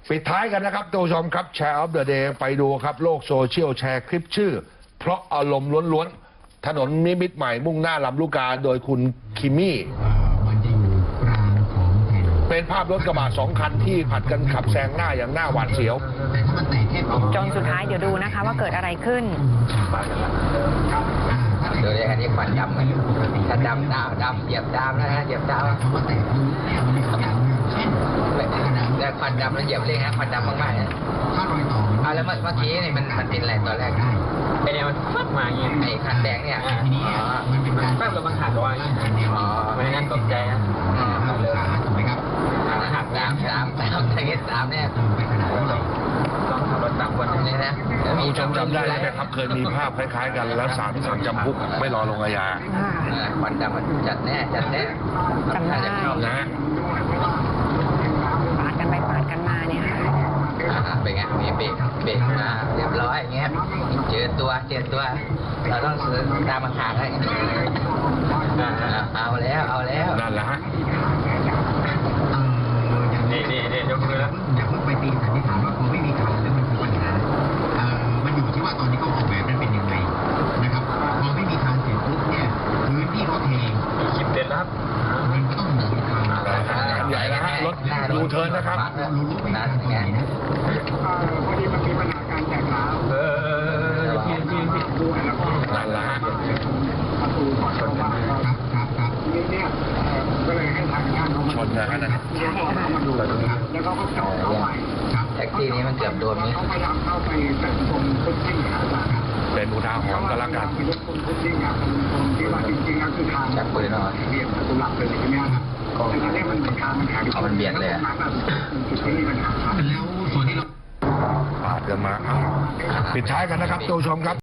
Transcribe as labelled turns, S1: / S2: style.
S1: ปิดท้ายกันนะครับท่านผู้ชมครับแชร์ออฟเดอะเดย์ไปดูครับโลกโซเชียลแชร์คลิปชื่อเพราะอารมณ์ล้วนๆถนนนิมิตรใหม่มุ่งหน้าลำลูกกาโดยคุณคิมมี่เป็นภาพรถกระบะ2 คันที่ผัดกันขับแซงหน้าอย่างหน้าหวาดเสียว
S2: จนสุดท้ายเดี๋ยวดูนะคะว่าเกิดอะไรขึ้น
S3: ดูเลยอันนี้ควันดำถ้าดำเหยียบดำนะฮะเหยียบดำแล้วควันดำแล้วเหยียบเลยฮะควันดำมากๆนะแล้วเมื่อกี้นี่มันเป็นอะไรตอนแรกไอ้เนี่ยมันฟัดมาอย่างเงี้ยไอ้คันแดงเนี่ยแป๊บเราบังคับว่าไม่งั้นตกใจนะถูกไหมครับหัก3อย่างเงี้ย3เนี่ยต้องขับรถ3 คนนี่นะ
S1: ผู้ชมจำได้ไหมครับเคยมีภาพคล้ายๆกันแล้วศาลสั่งจำคุกไม่รอลงอาญา
S3: ควันดำมันจัดแน่
S2: จำได้
S1: นะ
S2: ปาดกันไปปาดกันมาเนี่ย
S3: เป็นไงมีเบรกมาเรียบร้อยอย่างเงี้ยเจอตัวเราต้องตามมาหาให้เอาแล้ว
S1: นั่นแหละฮะ
S3: นี่ยกมือแล้วอย่าเพิ่งไปตีสันนิษฐานว่าพอไม่มีการแล้วมันคือปัญหามันอยู่ที่ว่าตอนนี้เขาออกแบบมันเป็นยังไงนะครับพอไม่มีการเสร็จปุ๊บเนี่ยพื้นที่เขาเทคลิปเด็ดแล้วมันก็ต้องมีการ
S1: ใหญ่แล้วฮะรถยูเทิร์นนะครับ
S3: นั่นไง
S4: พอดีมันมีปัญหาการแตกร้าวด้วยแล้วก็
S1: นั่นแหละฮะ
S4: ประตูก่อนเข้าบ้านนี่เนี่ยก็เลยให้ทางงานเขามา
S1: ชนนะฮะนั่น
S4: มาดูแล้วก็จอดเข้าไป
S3: แท็กซี่นี้มันเกือบโดนนี่
S4: เขาพยายามเข้าไปแต่ตรงพื้นที่ครับ
S1: เป็นอุทาหรณ์ก็แล้วกัน
S4: ตรงพื้นที่ครับตรงที่ว่าจริงๆแล้วคือทาง
S3: จับปืนหน่อย
S4: เบียดประตูหลักเลยใช่ไหมครับแต่ทีนี้มันเป็นทางมันแข็ง
S3: มันเบียดเลย
S4: จุดที่มีปัญหา
S3: แล้วส่วนที่เรา
S1: ปาดกันมาปิดท้ายกันนะครับท่านผู้ชมครับ